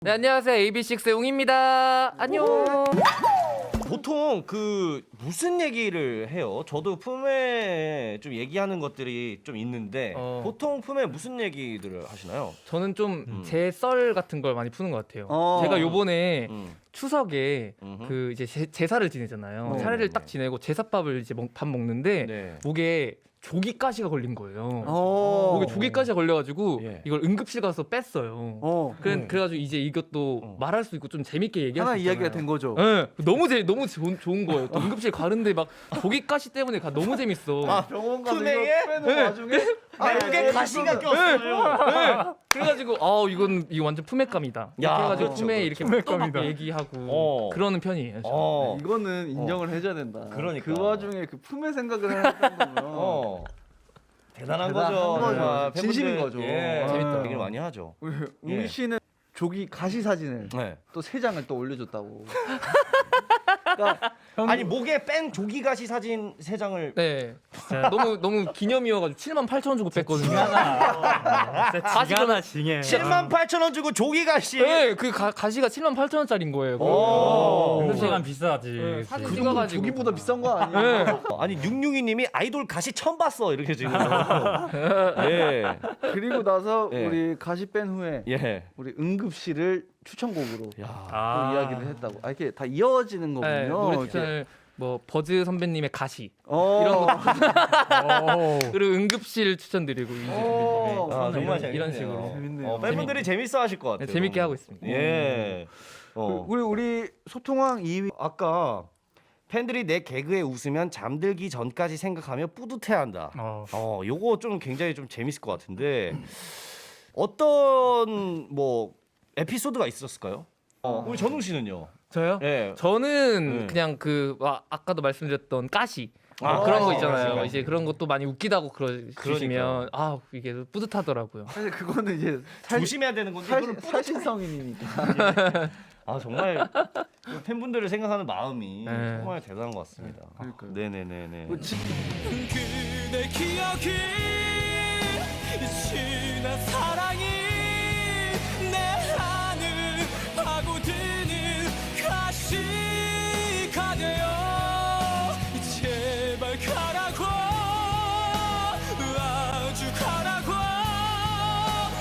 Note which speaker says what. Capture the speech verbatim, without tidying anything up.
Speaker 1: 네, 안녕하세요. 에이비식스의 웅입니다. 안녕.
Speaker 2: 보통 그 무슨 얘기를 해요? 저도 품에 좀 얘기하는 것들이 좀 있는데
Speaker 1: 어.
Speaker 2: 보통 품에 무슨 얘기들을 하시나요?
Speaker 1: 저는 좀
Speaker 2: 음.
Speaker 1: 제 썰 같은 걸 많이 푸는 것 같아요.
Speaker 3: 어.
Speaker 1: 제가 요번에
Speaker 2: 음.
Speaker 1: 추석에
Speaker 2: 음흠.
Speaker 1: 그 이제 제, 제사를 지내잖아요.
Speaker 3: 어.
Speaker 1: 차례를
Speaker 2: 네네.
Speaker 1: 딱 지내고 제사밥을 이제 먹, 밥 먹는데
Speaker 2: 네.
Speaker 1: 목에 조기가시가 걸린 거예요.
Speaker 3: 어.
Speaker 1: 목에 조기가시가 걸려가지고
Speaker 2: 예.
Speaker 1: 이걸 응급실 가서 뺐어요.
Speaker 3: 어.
Speaker 1: 그래,
Speaker 2: 음.
Speaker 1: 그래가지고 이제 이것도
Speaker 2: 어.
Speaker 1: 말할 수 있고 좀 재밌게 얘기할
Speaker 3: 하나
Speaker 1: 수
Speaker 3: 이야기가
Speaker 1: 있잖아요.
Speaker 3: 된 거죠.
Speaker 1: 네, 너무 재 너무 좋은, 좋은 거예요. 또 응급실 가는데 막 조기가시 때문에 가 너무 재밌어.
Speaker 2: 아,
Speaker 3: 병원 가서
Speaker 2: 품에에?
Speaker 3: 이거 빼는 와중에
Speaker 2: 아, 여기에 가시가 꼈어요.
Speaker 1: 네. 그래가지고 아 이건 이거 완전 품앗감이다. 이렇게
Speaker 2: 야,
Speaker 1: 해가지고
Speaker 2: 그렇죠,
Speaker 1: 품에
Speaker 2: 그렇죠.
Speaker 1: 이렇게 또막 얘기하고
Speaker 2: 어.
Speaker 1: 그러는 편이에요. 저는.
Speaker 2: 어.
Speaker 3: 이거는 인정을 해줘야 된다.
Speaker 2: 그러니까.
Speaker 3: 그 와중에 그 품의 생각을 했던 거면
Speaker 2: 어. 대단한,
Speaker 3: 대단한
Speaker 2: 거죠.
Speaker 3: 거죠.
Speaker 2: 정말
Speaker 3: 진심인
Speaker 2: 팬분들,
Speaker 3: 거죠.
Speaker 2: 예,
Speaker 1: 재밌다.
Speaker 2: 얘기를 많이 하죠.
Speaker 3: 우리
Speaker 2: 예.
Speaker 3: 웅 씨는 조기 가시 사진을
Speaker 2: 네.
Speaker 3: 또 세 장을 또 올려줬다고. 그러니까
Speaker 2: 아니 목에 뺀 조기가시 사진 세 장을
Speaker 1: 네, 진짜 너무 너무 기념이어가지고 칠만 팔천 원 주고 뺐거든요.
Speaker 4: 가시거나 징해.
Speaker 2: 칠만 팔천 원 주고 조기가시.
Speaker 1: 네, 그 가, 가시가 칠만 팔천 원짜리인 거예요.
Speaker 2: 오.
Speaker 1: 그래서
Speaker 4: 시간 비싸지.
Speaker 1: 네,
Speaker 4: 그치.
Speaker 1: 사진
Speaker 3: 그 정도
Speaker 1: 찍어가지고
Speaker 3: 조기보다 비싼 거 아니에요?
Speaker 1: 네.
Speaker 2: 아니 육육이님이 아이돌 가시 처음 봤어 이렇게 지금. 예.
Speaker 3: 그리고 나서
Speaker 2: 예.
Speaker 3: 우리 가시 뺀 후에
Speaker 2: 예.
Speaker 3: 우리 응급실을 추천곡으로
Speaker 2: 야.
Speaker 3: 또
Speaker 4: 아.
Speaker 3: 이야기를 했다고. 아 이렇게 다 이어지는 거군요.
Speaker 1: 네, 노래
Speaker 3: 이렇게.
Speaker 1: 추천을 뭐 버즈 선배님의 가시
Speaker 3: 어.
Speaker 1: 이런 거
Speaker 4: 오.
Speaker 1: 그리고 응급실 추천드리고 이제
Speaker 3: 오.
Speaker 1: 선배님의
Speaker 2: 아, 정말
Speaker 1: 이런,
Speaker 2: 재밌네요.
Speaker 1: 이런 식으로
Speaker 3: 재밌네요.
Speaker 2: 어, 팬분들이 재밌어 하실 것 같아요.
Speaker 1: 네, 재밌게 하고 있습니다.
Speaker 2: 예. 어.
Speaker 3: 우리 우리 소통왕 이 위
Speaker 2: 아까 팬들이 내 개그에 웃으면 잠들기 전까지 생각하며 뿌듯해한다.
Speaker 4: 어.
Speaker 2: 어, 요거 좀 굉장히 좀 재밌을 것 같은데 어떤 뭐 에피소드가 있었을까요? 어, 우리 전웅 씨는요?
Speaker 1: 저요?
Speaker 2: 예.
Speaker 1: 저는
Speaker 2: 네.
Speaker 1: 그냥 그 와, 아까도 말씀드렸던 가시
Speaker 2: 아,
Speaker 1: 그런 거
Speaker 2: 가시,
Speaker 1: 있잖아요.
Speaker 2: 가시, 가시.
Speaker 1: 이제 그런 것도 많이 웃기다고 그러,
Speaker 2: 그러니까요.
Speaker 1: 주시면 아 이게 뿌듯하더라고요.
Speaker 3: 사실 그거는 이제 살,
Speaker 2: 조심해야 되는 건데
Speaker 3: 살,
Speaker 2: 이거를 뿌듯-
Speaker 3: 살신성인이니까.
Speaker 2: 아 정말 팬분들을 생각하는 마음이
Speaker 1: 네.
Speaker 2: 정말 대단한 것 같습니다.
Speaker 3: 그러니까요.
Speaker 2: 네네네네.
Speaker 3: 그 지-
Speaker 5: 그대 기억이 지난 사랑이